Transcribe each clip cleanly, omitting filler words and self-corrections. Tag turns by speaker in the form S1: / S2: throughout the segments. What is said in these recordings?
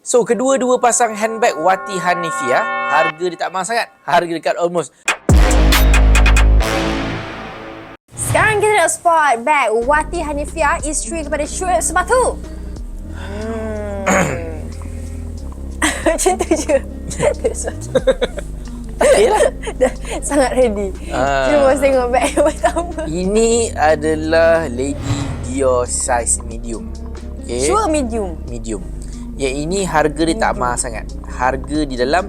S1: So, kedua-dua pasang handbag Wati Hanifia, harga dia tak mahal sangat. Harga dekat almost.
S2: Sekarang kita nak spot bag Wati Hanifia, isteri kepada Syuib Sepatu. Macam tu je.
S1: Okay lah.
S2: Dah sangat ready. Cuma tengok bag yang pertama.
S1: Ini adalah Lady Dior size medium. Okay.
S2: Sure medium.
S1: Medium. Yang ini harga dia tak mahal sangat. Harga di dalam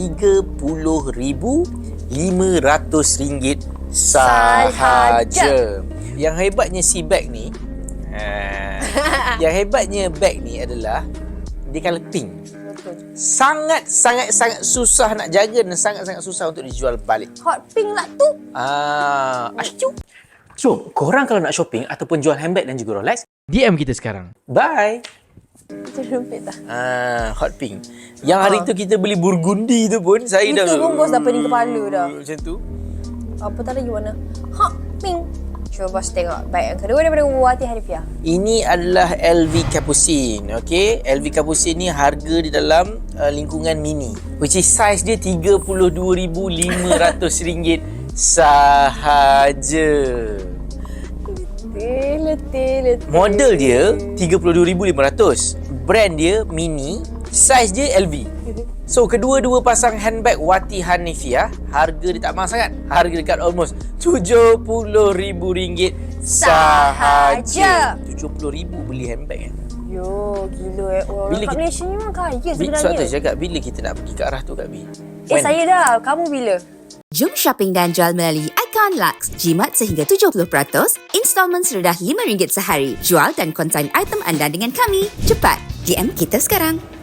S1: RM30,500 sahaja. Yang hebatnya si bag ni, yang hebatnya bag ni adalah dia colour pink. Sangat susah nak jaga dan sangat susah untuk dijual balik.
S2: Hot pink lah tu.
S1: Asyuk.
S3: So, korang kalau nak shopping ataupun jual handbag dan juga Rolex, DM kita sekarang.
S1: Bye.
S2: Itu rumpit dah.
S1: Hot pink. Yang hari tu kita beli burgundi tu pun saya
S2: Itu
S1: dah
S2: pun bos dah pening kepala dah.
S1: macam tu.
S2: Apa tak lagi mana? Hot pink. Cuba bos tengok bag yang kedua daripada Wati Hanifia.
S1: Ini adalah LV Capucine. Okay, LV Capucine ni harga di dalam lingkungan mini, which is size dia RM32,500 sahaja.
S2: Letih.
S1: Model dia RM32,500. Brand dia mini, size dia LV. So, kedua-dua pasang handbag Wati Hanifia, harga dia tak mahal sangat. Harga dekat almost RM70,000 sahaja. RM70,000 beli handbag.
S2: Yo, gila orang
S1: Bila
S2: kat Malaysia ni memang kaya
S1: Sebab tu
S2: sebenarnya.
S1: saya cakap, bila kita nak pergi ke arah tu Kak B?
S2: Saya dah. Kamu bila?
S4: Jom shopping dan jual melalui Icon Lux. Jimat sehingga 70%, installment serendah RM5 sehari. Jual dan konsign item anda dengan kami. Cepat, DM kita sekarang.